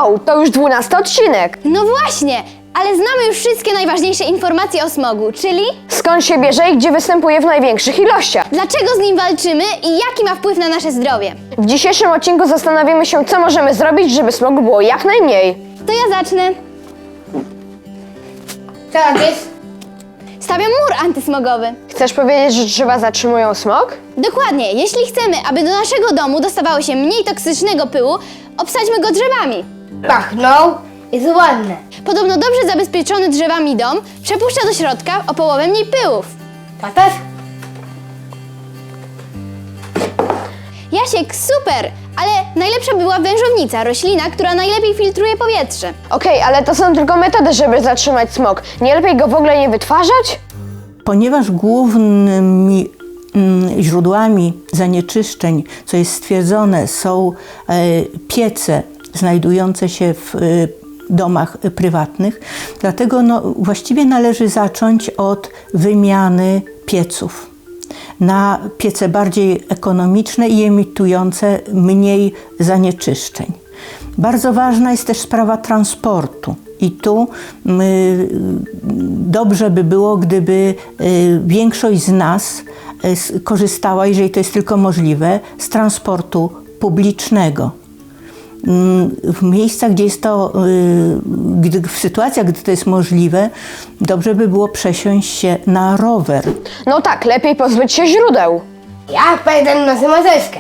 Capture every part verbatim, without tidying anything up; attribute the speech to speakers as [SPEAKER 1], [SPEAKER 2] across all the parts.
[SPEAKER 1] Wow, to już dwunasty odcinek.
[SPEAKER 2] No właśnie, ale znamy już wszystkie najważniejsze informacje o smogu, czyli
[SPEAKER 1] Skąd się bierze i gdzie występuje w największych ilościach?
[SPEAKER 2] dlaczego z nim walczymy i jaki ma wpływ na nasze zdrowie.
[SPEAKER 1] W dzisiejszym odcinku zastanowimy się, co możemy zrobić, żeby smogu było jak najmniej.
[SPEAKER 2] To ja zacznę.
[SPEAKER 3] Co robisz?
[SPEAKER 2] Stawiam mur antysmogowy.
[SPEAKER 1] Chcesz powiedzieć, że drzewa zatrzymują smog?
[SPEAKER 2] Dokładnie, jeśli chcemy, aby do naszego domu dostawało się mniej toksycznego pyłu, obsadźmy go drzewami.
[SPEAKER 3] Pachnął, jest ładne.
[SPEAKER 2] Podobno dobrze zabezpieczony drzewami dom przepuszcza do środka o połowę mniej pyłów.
[SPEAKER 3] Patasz?
[SPEAKER 2] Jasiek, super! Ale najlepsza była wężownica, roślina, która najlepiej filtruje powietrze.
[SPEAKER 1] Okej, ale to są tylko metody, żeby zatrzymać smog. Nie lepiej go w ogóle nie wytwarzać?
[SPEAKER 4] Ponieważ głównymi mm, źródłami zanieczyszczeń, co jest stwierdzone, są e, piece znajdujące się w e, domach e, prywatnych, dlatego no, właściwie należy zacząć od wymiany pieców na piece bardziej ekonomiczne i emitujące mniej zanieczyszczeń. Bardzo ważna jest też sprawa transportu. I tu y, dobrze by było, gdyby y, większość z nas y, korzystała, jeżeli to jest tylko możliwe, z transportu publicznego. Y, w miejscach, gdzie jest to, y, gdy, w sytuacjach, gdy to jest możliwe, dobrze by było przesiąść się na rower.
[SPEAKER 1] No tak, lepiej pozbyć się źródeł.
[SPEAKER 3] Ja pamiętam nosy maseczkę.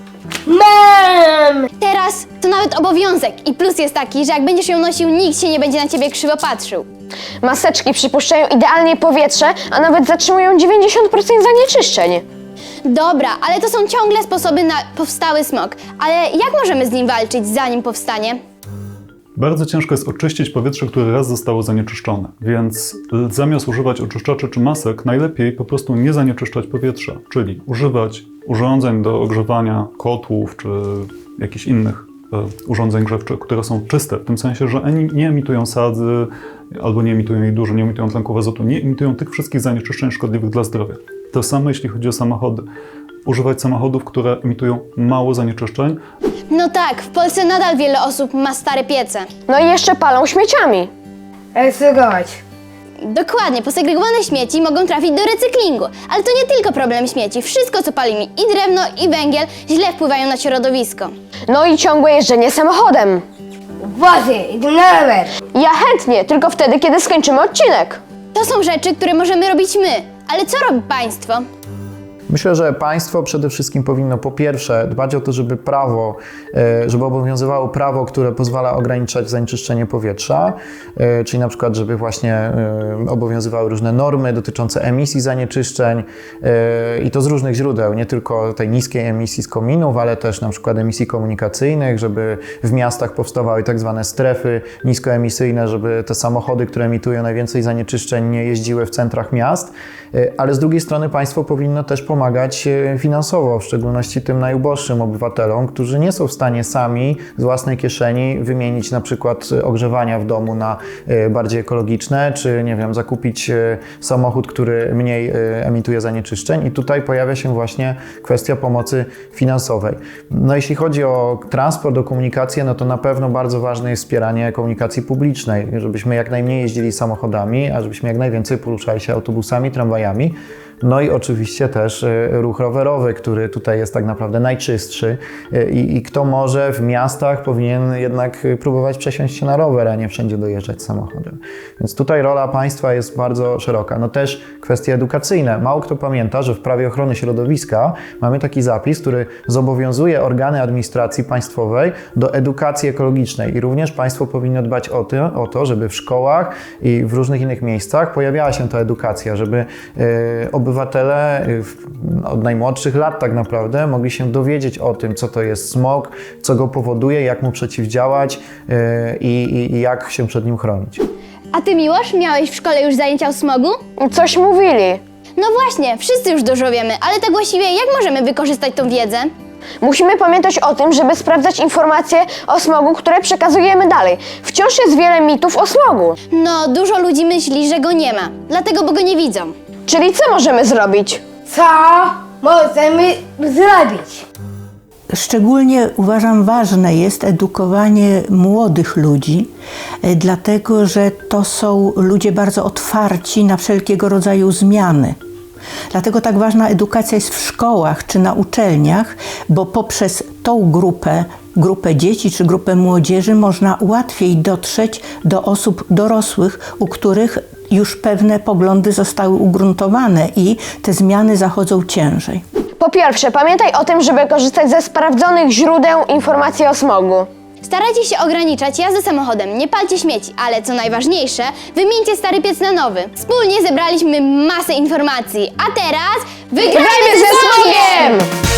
[SPEAKER 3] Mam!
[SPEAKER 2] Teraz to nawet obowiązek i plus jest taki, że jak będziesz ją nosił, nikt się nie będzie na ciebie krzywo patrzył.
[SPEAKER 1] Maseczki przypuszczają idealnie powietrze, a nawet zatrzymują dziewięćdziesiąt procent zanieczyszczeń.
[SPEAKER 2] Dobra, ale to są ciągle sposoby na powstały smog. Ale jak możemy z nim walczyć, zanim powstanie?
[SPEAKER 5] Bardzo ciężko jest oczyścić powietrze, które raz zostało zanieczyszczone, więc zamiast używać oczyszczaczy czy masek, najlepiej po prostu nie zanieczyszczać powietrza, czyli używać urządzeń do ogrzewania kotłów czy jakichś innych e, urządzeń grzewczych, które są czyste, w tym sensie, że ani nie emitują sadzy, albo nie emitują jej dużo, nie emitują tlenków azotu, nie emitują tych wszystkich zanieczyszczeń szkodliwych dla zdrowia. To samo jeśli chodzi o samochody. Używać samochodów, które emitują mało zanieczyszczeń.
[SPEAKER 2] No tak, w Polsce nadal wiele osób ma stare piece.
[SPEAKER 1] No i jeszcze palą śmieciami.
[SPEAKER 3] Recyklować.
[SPEAKER 2] Dokładnie, posegregowane śmieci mogą trafić do recyklingu. Ale to nie tylko problem śmieci. Wszystko, co palimy, i drewno, i węgiel, źle wpływają na środowisko.
[SPEAKER 1] No i ciągłe jeżdżenie samochodem.
[SPEAKER 3] Wozy, idę na rower.
[SPEAKER 1] Ja chętnie, tylko wtedy, kiedy skończymy odcinek.
[SPEAKER 2] To są rzeczy, które możemy robić my. Ale co robi państwo?
[SPEAKER 6] Myślę, że państwo przede wszystkim powinno po pierwsze dbać o to, żeby prawo, żeby obowiązywało prawo, które pozwala ograniczać zanieczyszczenie powietrza, czyli na przykład, żeby właśnie obowiązywały różne normy dotyczące emisji zanieczyszczeń i to z różnych źródeł, nie tylko tej niskiej emisji z kominów, ale też na przykład emisji komunikacyjnych, żeby w miastach powstawały tak zwane strefy niskoemisyjne, żeby te samochody, które emitują najwięcej zanieczyszczeń, nie jeździły w centrach miast, ale z drugiej strony państwo powinno też pomagać pomagać finansowo, w szczególności tym najuboższym obywatelom, którzy nie są w stanie sami z własnej kieszeni wymienić na przykład ogrzewania w domu na bardziej ekologiczne, czy nie wiem, zakupić samochód, który mniej emituje zanieczyszczeń i tutaj pojawia się właśnie kwestia pomocy finansowej. No jeśli chodzi o transport, o komunikację, no to na pewno bardzo ważne jest wspieranie komunikacji publicznej, żebyśmy jak najmniej jeździli samochodami, a żebyśmy jak najwięcej poruszali się autobusami, tramwajami. No i oczywiście też ruch rowerowy, który tutaj jest tak naprawdę najczystszy i, i kto może w miastach powinien jednak próbować przesiąść się na rower, a nie wszędzie dojeżdżać samochodem. Więc tutaj rola państwa jest bardzo szeroka. No też kwestie edukacyjne. Mało kto pamięta, że w prawie ochrony środowiska mamy taki zapis, który zobowiązuje organy administracji państwowej do edukacji ekologicznej i również państwo powinno dbać o to, o to żeby w szkołach i w różnych innych miejscach pojawiała się ta edukacja, żeby yy, obywatele od najmłodszych lat tak naprawdę mogli się dowiedzieć o tym, co to jest smog, co go powoduje, jak mu przeciwdziałać yy, i, i jak się przed nim chronić.
[SPEAKER 2] A ty, Miłosz, miałeś w szkole już zajęcia o smogu?
[SPEAKER 1] Coś mówili.
[SPEAKER 2] No właśnie, wszyscy już dużo wiemy, ale tak właściwie jak możemy wykorzystać tą wiedzę?
[SPEAKER 1] Musimy pamiętać o tym, żeby sprawdzać informacje o smogu, które przekazujemy dalej. Wciąż jest wiele mitów o smogu.
[SPEAKER 2] No, dużo ludzi myśli, że go nie ma, dlatego, bo go nie widzą.
[SPEAKER 1] Czyli co możemy zrobić?
[SPEAKER 3] Co możemy zrobić?
[SPEAKER 4] Szczególnie uważam ważne jest edukowanie młodych ludzi, e, dlatego że to są ludzie bardzo otwarci na wszelkiego rodzaju zmiany. Dlatego tak ważna edukacja jest w szkołach czy na uczelniach, bo poprzez tą grupę, grupę dzieci czy grupę młodzieży można łatwiej dotrzeć do osób dorosłych, u których już pewne poglądy zostały ugruntowane i te zmiany zachodzą ciężej.
[SPEAKER 1] Po pierwsze, pamiętaj o tym, żeby korzystać ze sprawdzonych źródeł informacji o smogu.
[SPEAKER 2] Starajcie się ograniczać jazdę samochodem, nie palcie śmieci, ale co najważniejsze, wymieńcie stary piec na nowy. Wspólnie zebraliśmy masę informacji, a teraz wygrajmy
[SPEAKER 1] Grajmy ze smogiem!